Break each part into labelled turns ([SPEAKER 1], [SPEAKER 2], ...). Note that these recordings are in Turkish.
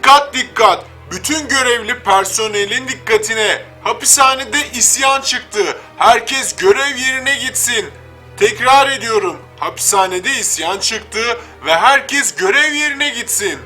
[SPEAKER 1] Dikkat dikkat! Bütün görevli personelin dikkatine. Hapishanede isyan çıktı. Herkes görev yerine gitsin. Tekrar ediyorum. Hapishanede isyan çıktı ve herkes görev yerine gitsin.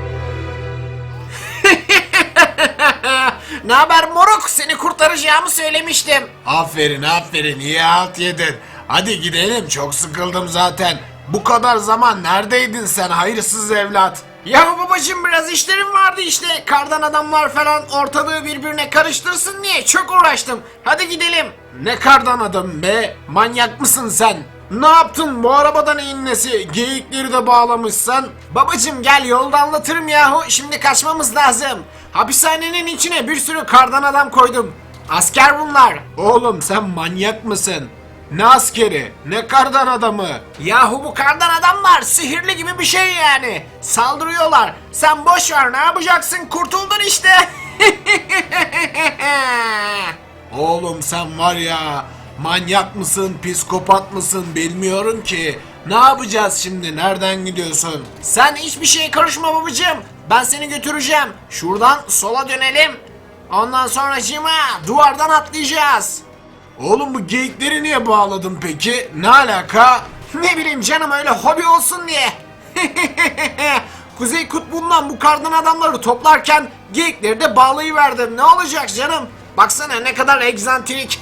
[SPEAKER 2] Ne haber moruk? Seni kurtaracağımı söylemiştim.
[SPEAKER 3] Aferin aferin, iyi halt yedin. Hadi gidelim, çok sıkıldım zaten. Bu kadar zaman neredeydin sen hayırsız evlat?
[SPEAKER 2] Ya babacığım biraz işlerim vardı işte. Kardan adamlar falan ortalığı birbirine karıştırsın diye çok uğraştım. Hadi gidelim.
[SPEAKER 3] Ne kardan adam be, manyak mısın sen? Ne yaptın bu arabada neyin nesi? Geyikleri de bağlamışsan.
[SPEAKER 2] Babacığım gel yolda anlatırım yahu. Şimdi kaçmamız lazım. Hapishanenin içine bir sürü kardan adam koydum. Asker bunlar.
[SPEAKER 3] Oğlum sen manyak mısın? Ne askeri, ne kardan adamı?
[SPEAKER 2] Yahu bu kardan adamlar sihirli gibi bir şey yani. Saldırıyorlar. Sen boş ver, ne yapacaksın? Kurtuldun işte.
[SPEAKER 3] Oğlum sen var ya, manyak mısın, psikopat mısın bilmiyorum ki. Ne yapacağız şimdi, nereden gidiyorsun?
[SPEAKER 2] Sen hiçbir şeye karışma babacığım. Ben seni götüreceğim. Şuradan sola dönelim. Ondan sonracığıma duvardan atlayacağız.
[SPEAKER 3] Oğlum bu geyikleri niye bağladın peki? Ne alaka?
[SPEAKER 2] Ne bileyim canım, öyle hobi olsun diye. Kuzey Kutbu'ndan bu kardan adamları toplarken geyikleri de bağlayıverdim. Ne olacak canım? Baksana ne kadar egzantrik.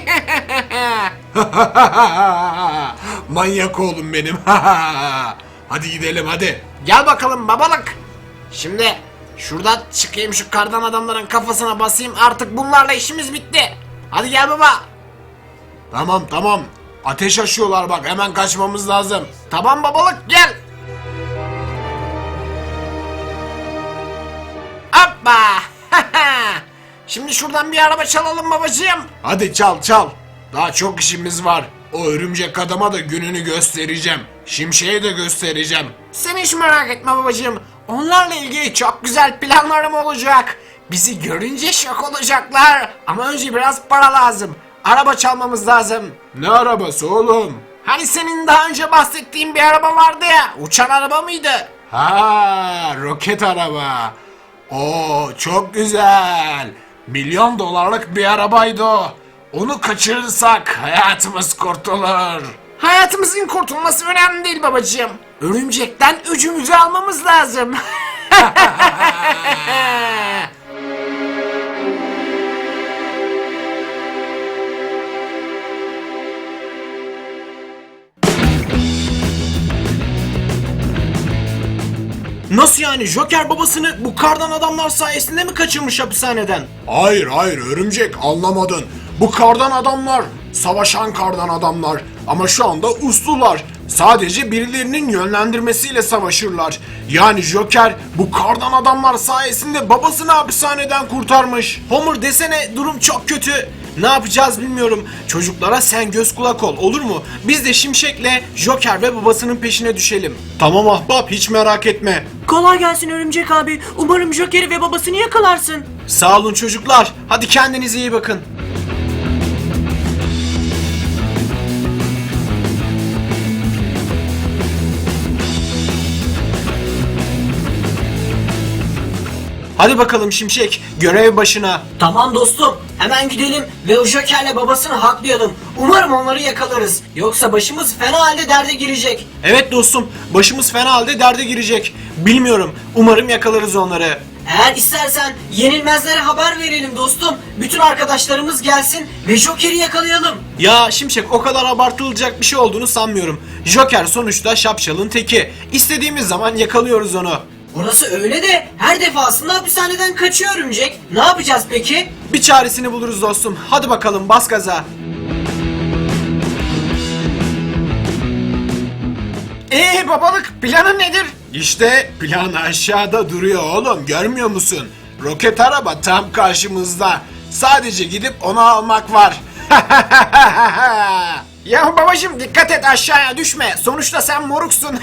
[SPEAKER 3] Manyak oğlum benim. Hadi gidelim hadi.
[SPEAKER 2] Gel bakalım babalık. Şimdi şuradan çıkayım, şu kardan adamların kafasına basayım. Artık bunlarla işimiz bitti. Hadi gel baba.
[SPEAKER 3] Tamam tamam. Ateş açıyorlar bak, hemen kaçmamız lazım.
[SPEAKER 2] Tamam babalık, gel. Hoppa. Şimdi şuradan bir araba çalalım babacığım.
[SPEAKER 3] Hadi çal çal. Daha çok işimiz var. O örümcek adama da gününü göstereceğim. Şimşek'e de göstereceğim.
[SPEAKER 2] Sen hiç merak etme babacığım. Onlarla ilgili çok güzel planlarım olacak. Bizi görünce şok olacaklar. Ama önce biraz para lazım. Araba çalmamız lazım.
[SPEAKER 3] Ne arabası oğlum?
[SPEAKER 2] Hani senin daha önce bahsettiğin bir araba vardı ya. Uçan araba mıydı?
[SPEAKER 3] Ha, roket araba. Oo, çok güzel. Milyon dolarlık bir arabaydı o. Onu kaçırırsak hayatımız kurtulur.
[SPEAKER 2] Hayatımızın kurtulması önemli değil babacığım. Örümcekten öcümüzü almamız lazım. Nasıl yani? Joker babasını bu kardan adamlar sayesinde mi kaçırmış hapishaneden?
[SPEAKER 3] Hayır hayır örümcek, anlamadın. Bu kardan adamlar savaşan kardan adamlar ama şu anda uslular. Sadece birilerinin yönlendirmesiyle savaşırlar. Yani Joker bu kardan adamlar sayesinde babasını hapishaneden kurtarmış.
[SPEAKER 2] Homer desene, durum çok kötü. Ne yapacağız bilmiyorum. Çocuklara sen göz kulak ol, olur mu? Biz de Şimşek'le Joker ve babasının peşine düşelim.
[SPEAKER 3] Tamam ahbap, hiç merak etme.
[SPEAKER 4] Kolay gelsin Örümcek abi. Umarım Joker'i ve babasını yakalarsın.
[SPEAKER 2] Sağ olun çocuklar. Hadi kendinize iyi bakın. Hadi bakalım Şimşek, görev başına.
[SPEAKER 4] Tamam dostum. Hemen gidelim ve o Joker'le babasını haklayalım. Umarım onları yakalarız. Yoksa başımız fena halde derde girecek.
[SPEAKER 2] Evet dostum, başımız fena halde derde girecek. Bilmiyorum, umarım yakalarız onları.
[SPEAKER 4] Eğer istersen yenilmezlere haber verelim dostum. Bütün arkadaşlarımız gelsin ve Joker'i yakalayalım.
[SPEAKER 2] Ya Şimşek, o kadar abartılacak bir şey olduğunu sanmıyorum. Joker sonuçta şapşalın teki. İstediğimiz zaman yakalıyoruz onu.
[SPEAKER 4] Orası öyle de her defasında hapishaneden kaçıyor Örümcek. Ne yapacağız peki?
[SPEAKER 2] Bir çaresini buluruz dostum. Hadi bakalım, bas gaza. Babalık, planın nedir?
[SPEAKER 3] İşte plan aşağıda duruyor oğlum, görmüyor musun? Roket araba tam karşımızda. Sadece gidip onu almak var.
[SPEAKER 2] Ya babacım dikkat et, aşağıya düşme. Sonuçta sen moruksun.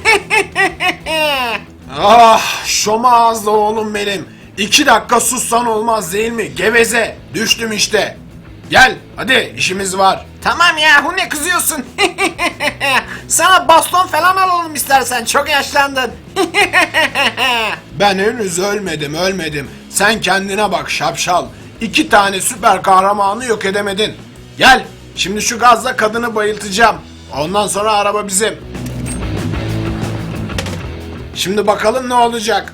[SPEAKER 3] Ah, şoma ağızlı oğlum benim. 2 dakika sussan olmaz değil mi? Geveze. Düştüm işte. Gel hadi, işimiz var.
[SPEAKER 2] Tamam yahu, ne kızıyorsun? Sana baston falan alalım istersen, çok yaşlandın.
[SPEAKER 3] Ben henüz ölmedim. Sen kendine bak şapşal. 2 tane süper kahramanı yok edemedin. Gel, şimdi şu gazla kadını bayıltacağım. Ondan sonra araba bizim. Şimdi bakalım ne olacak.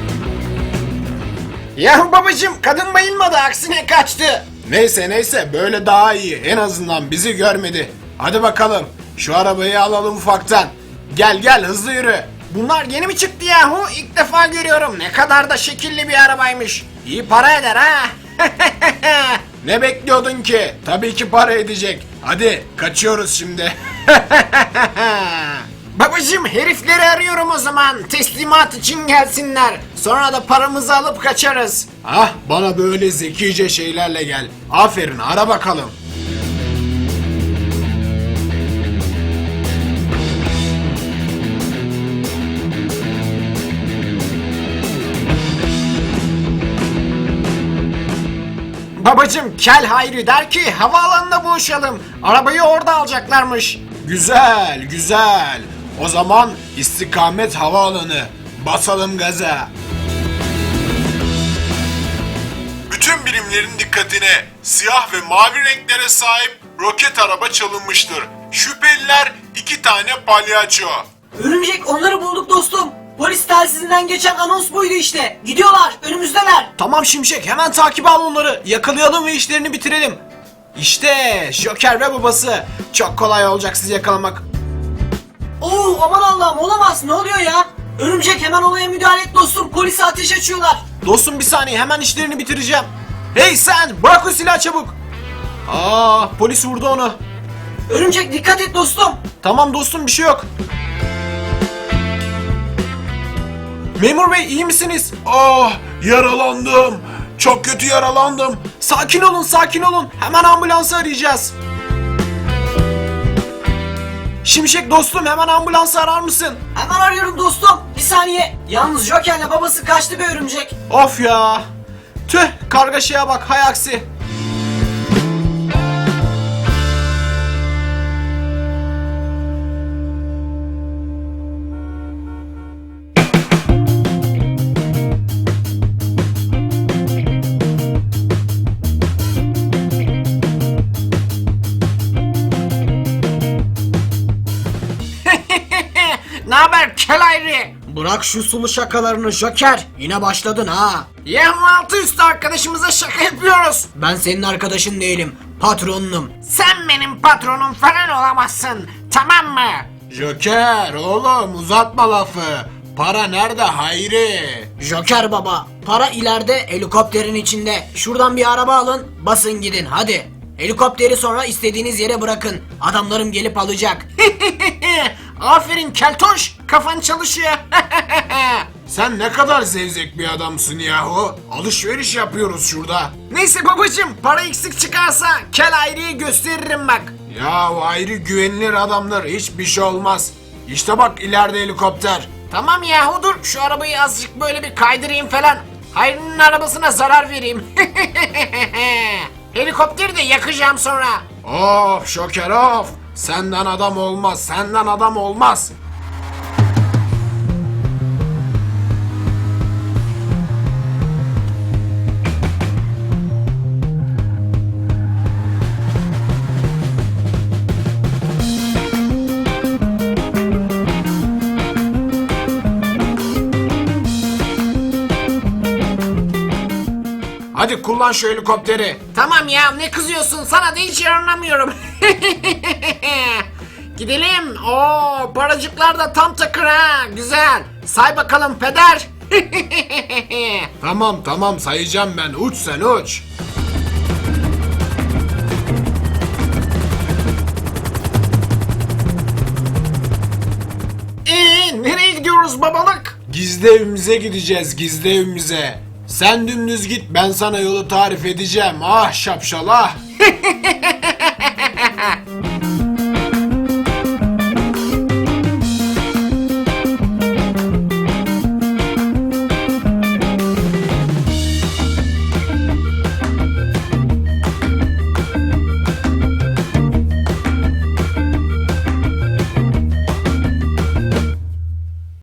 [SPEAKER 2] Ya babacım, kadın bayılmadı, aksine kaçtı.
[SPEAKER 3] Neyse böyle daha iyi. En azından bizi görmedi. Hadi bakalım. Şu arabayı alalım ufaktan. Gel hızlı yürü.
[SPEAKER 2] Bunlar yeni mi çıktı yahu? İlk defa görüyorum. Ne kadar da şekilli bir arabaymış. İyi para eder ha.
[SPEAKER 3] Ne bekliyordun ki? Tabii ki para edecek. Hadi kaçıyoruz şimdi.
[SPEAKER 2] Babacım, herifleri arıyorum o zaman. Teslimat için gelsinler. Sonra da paramızı alıp kaçarız.
[SPEAKER 3] Ah, bana böyle zekice şeylerle gel. Aferin, ara bakalım.
[SPEAKER 2] Babacım, Kel Hayri der ki havaalanında buluşalım. Arabayı orada alacaklarmış.
[SPEAKER 3] Güzel. O zaman istikamet havaalanı. Basalım gaza. Bütün birimlerin dikkatine, siyah ve mavi renklere sahip roket araba çalınmıştır. Şüpheliler 2 tane palyaço.
[SPEAKER 4] Örümcek, onları bulduk dostum. Polis telsizinden geçen anons buydu işte. Gidiyorlar, önümüzdeler.
[SPEAKER 2] Tamam Şimşek, hemen takip al onları. Yakalayalım ve işlerini bitirelim. İşte Joker ve babası. Çok kolay olacak sizi yakalamak.
[SPEAKER 4] Oo, aman Allah'ım, olamaz, ne oluyor ya? Örümcek, hemen olaya müdahale et dostum. Polise ateş açıyorlar.
[SPEAKER 2] Dostum bir saniye, hemen işlerini bitireceğim. Hey sen, bırak o silahı çabuk. Polis vurdu onu.
[SPEAKER 4] Örümcek, dikkat et dostum.
[SPEAKER 2] Tamam dostum, bir şey yok. Memur bey, iyi misiniz?
[SPEAKER 3] Ah, yaralandım. Çok kötü yaralandım.
[SPEAKER 2] Sakin olun. Hemen ambulansı arayacağız. Şimşek dostum, hemen ambulansı arar mısın?
[SPEAKER 4] Hemen arıyorum dostum. Bir saniye. Yalnız Joker'le babası kaçtı be Örümcek.
[SPEAKER 2] Of ya. Tüh, kargaşaya bak, hay aksi. Ne haber Kel Hayri?
[SPEAKER 4] Bırak şu sulu şakalarını Joker. Yine başladın ha.
[SPEAKER 2] Yahu altı üstü arkadaşımıza şaka yapıyoruz.
[SPEAKER 4] Ben senin arkadaşın değilim. Patronunum.
[SPEAKER 2] Sen benim patronum falan olamazsın. Tamam mı?
[SPEAKER 3] Joker oğlum, uzatma lafı. Para nerede Hayri?
[SPEAKER 4] Joker baba. Para ileride, helikopterin içinde. Şuradan bir araba alın. Basın gidin hadi. Helikopteri sonra istediğiniz yere bırakın. Adamlarım gelip alacak.
[SPEAKER 2] Aferin Keltoş, kafan çalışıyor.
[SPEAKER 3] Sen ne kadar zevzek bir adamsın yahu. Alışveriş yapıyoruz şurada.
[SPEAKER 2] Neyse babacım, para eksik çıkarsa Kel Hayri'yi gösteririm bak.
[SPEAKER 3] Ya Hayri güvenilir adamlar, hiçbir şey olmaz. İşte bak ileride helikopter.
[SPEAKER 2] Tamam yahu, dur şu arabayı azıcık böyle bir kaydırayım falan. Hayri'nin arabasına zarar vereyim. Helikopteri de yakacağım sonra.
[SPEAKER 3] Of Şoker of. Senden adam olmaz. Hadi kullan şu helikopteri.
[SPEAKER 2] Tamam ya, ne kızıyorsun, sana da hiç yaranamıyorum. Gidelim. Oo, paracıklar da tam takır ha, güzel. Say bakalım peder.
[SPEAKER 3] Tamam sayacağım ben. Uç sen uç.
[SPEAKER 2] Nereye gidiyoruz babalık?
[SPEAKER 3] Gizli evimize gideceğiz, gizli evimize. Sen dümdüz git, ben sana yolu tarif edeceğim. Ah şapşal ah.